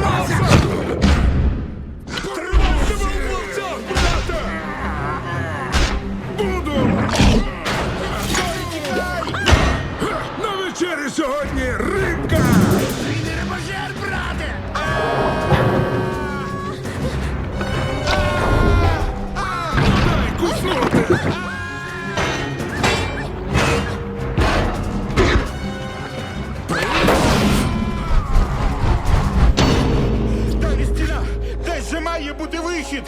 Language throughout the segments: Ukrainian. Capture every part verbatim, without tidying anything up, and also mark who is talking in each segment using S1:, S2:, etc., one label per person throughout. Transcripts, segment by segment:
S1: Тримайся! Тримайся, вовця, брате! Буду! На вечері сьогодні рибка!
S2: Ти не рибожер, брате!
S1: Дай куснути!
S2: Далі стіна! Десь же має бути вихід!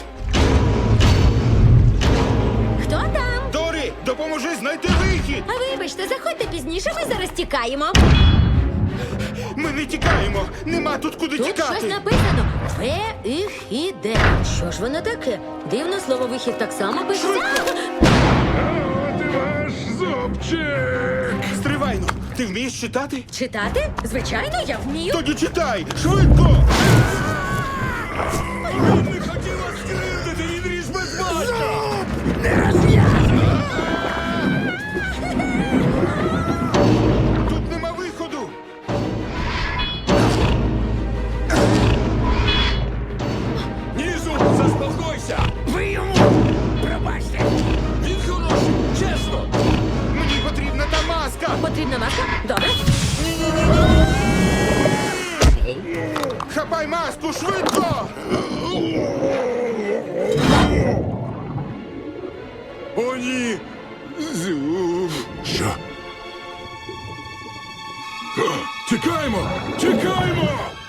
S3: Хто там?
S2: Дорі, допоможи знайти вихід!
S3: А вибачте, заходьте пізніше, ми зараз тікаємо.
S2: Ми не тікаємо! Нема тут куди
S3: Тут
S2: тікати!
S3: щось написано. Вихіде. Що ж воно таке? Дивно, слово вихід так само пишеться.
S1: От і ваш зубчик!
S2: Стривайно! Ти вмієш читати?
S3: Читати? Звичайно, я вмію.
S2: Тоді читай! Швидко!
S1: Він не хотів вас скривдити, він ріж без батька!
S2: Тут нема виходу!
S1: Ні, зуб, заспокойся!
S2: Ви йому! Пробачте!
S1: Він хороший, чесно!
S2: Мені потрібна та маска!
S3: Потрібна маска? Добре.
S2: Хапай маску, швидко!
S1: О, ні! Зуб! Що? Тікаємо! Тікаємо!